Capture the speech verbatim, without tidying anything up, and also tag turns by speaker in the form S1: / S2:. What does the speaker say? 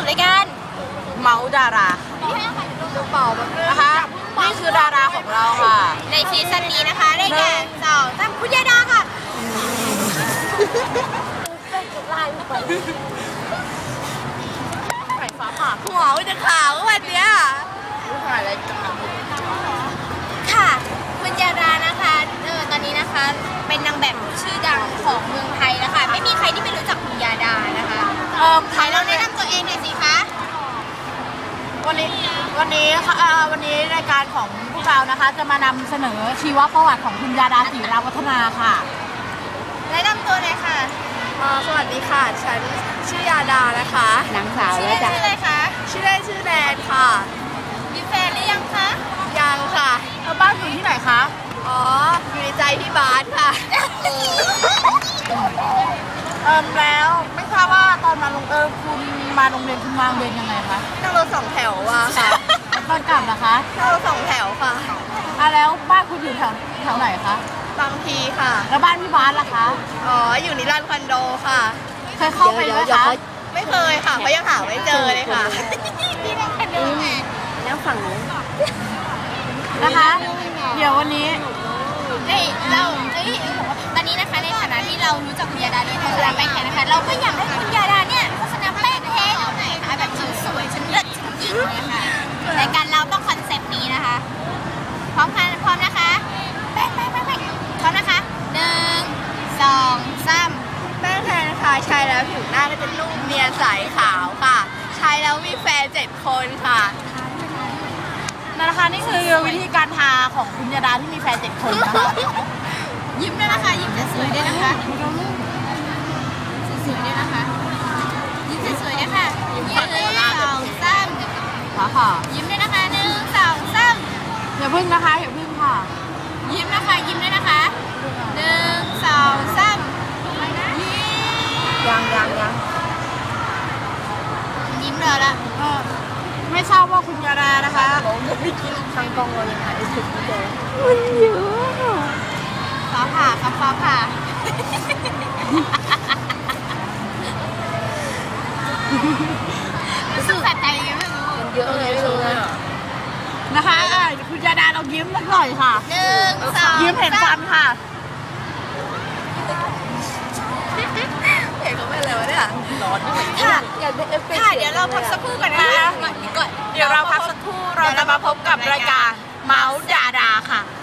S1: สู่รายการเมาส์ดารานะคะนี่คือดาราของเราค่ะในซีซั่นนี้นะคะได้แก่สาวตั้มคุณยาดาค่ะไฟฟ้าผ่าหัวจะขาววันเนี้ยถ่ายรายการค่ะคุณยาดานะคะเออตอนนี้นะคะเป็นนางแบบชื่อดังของเมืองไทยแล้วค่ะไม่มีใครที่ไม่รู้จักคุณยาดานะคะเออใครเราแนะนำตัวเองหน่อยสิคะวันนี้วันนี้ค่ะวันนี้รายการของพวกเรานะคะจะมานำเสนอชีวประวัติของคุณยาดาศรีราวัฒนาค่ะแนะนำตัวเลยค่ะ
S2: สวัสดีค่ะฉันชื่อยาดานะคะ
S1: นางสาวชื่อเล่นชื่ออะไรคะ
S2: ชื่อเล่นชื่อแนนค่ะ
S1: มีแฟนหรือยังคะ
S2: ยังค่ะ
S1: แล้วบ้านอยู่ที่ไหนคะ
S2: อ๋ออยู่ในใจพี่บาสค่ะ
S1: เออแล้วไม่ทราบว่าตอนมาลงเออคุณมาโรงเรียนคุณมาโรงเรียนยังไงคะ
S2: นั่งรถสองแถวว่ะค่ะ
S1: ตอนกลับนะคะ
S2: นั่งรถสองแถวค่ะ
S1: อ่ะแล้วบ้านคุณอยู่แถวแถวไหนคะ
S2: บางพีค่ะ
S1: แล้วบ้านพี่บาสล่ะคะ
S2: อ๋ออยู่นิรันดร์คอนโดค่ะ
S1: เคยเข้าไปไหมคะ
S2: ไม่เคยค่ะเพราะยังหาไม่เจอเลยค่ะ
S1: นี่นั่งคอนโดนั่งฝั่งนู้นนะคะเดี๋ยววันนี้เฮ้ยเราเฮ้ยตอนนี้นะคะในฐานะที่เรารู้จักคุณยาดาด้วยโฆษณาแป้งแท้นะคะเราก็อยากให้คุณยาดาเนี่ยโฆษณาแป้งแท้เราหน่อยค่ะแบบฉันสวยฉันเลิศฉันหญิงเลยค่ะรายการเราต้องคอนเซปต์นี้นะคะพร้อมกันพร้อมนะคะแป้งแป้งแป้งแป้งพร้อมนะคะหนึ่งสองสาม
S2: แป้งแท้นะคะใช้แล้วผิวหน้าก็จะนุ่มเนียนใสขาวค่ะใช้แล้วมีแฟนเจ็ดคนค่ะ
S1: นะคะนี่คือวิธีการทาของคุณยาดาที่มีแฟนเจ็ดคนนะคะยิ้มด้วยนะคะยิ้มสวยๆด้วยนะคะสวยๆด้วยนะคะยิ้มสวยๆด้วยค่ะยิ้มสองสามค่ะยิ้มด้วยนะคะหนึ่งสองสามอย่าพึ่งนะคะอย่าพึ่งค่ะยิ้มนะคะยิ้มด้วยนะคะหนึ่งสองสาม
S2: ยังยังยัง
S1: ยิ้มเลยละไม่ทราบว่าคุณยาดานะคะ
S2: ทางกองเรายังหาได้สุดไม่เจอ
S1: มันเยอะฟ้าผ่าครับฟ้าผ่ารู้สึกแปลกใจยังไม่รู้
S2: เยอะเลยเลย
S1: นะคะคุณยาดาเรายิ้มสักหน่อยค่ะหนึ่งสองยิ้มเห็นฟันค่ะ
S2: เห็นเขาไม่เลยวะเนี่ยร้อน
S1: ค่ะอยากได้เอฟเฟกต์ค่ะเดี๋ยวเราพักสักครู่ก่อนนะคะเดี๋ยวเราพักสักครู่เราจะมาพบกับรายการเมาส์ดาราค่ะ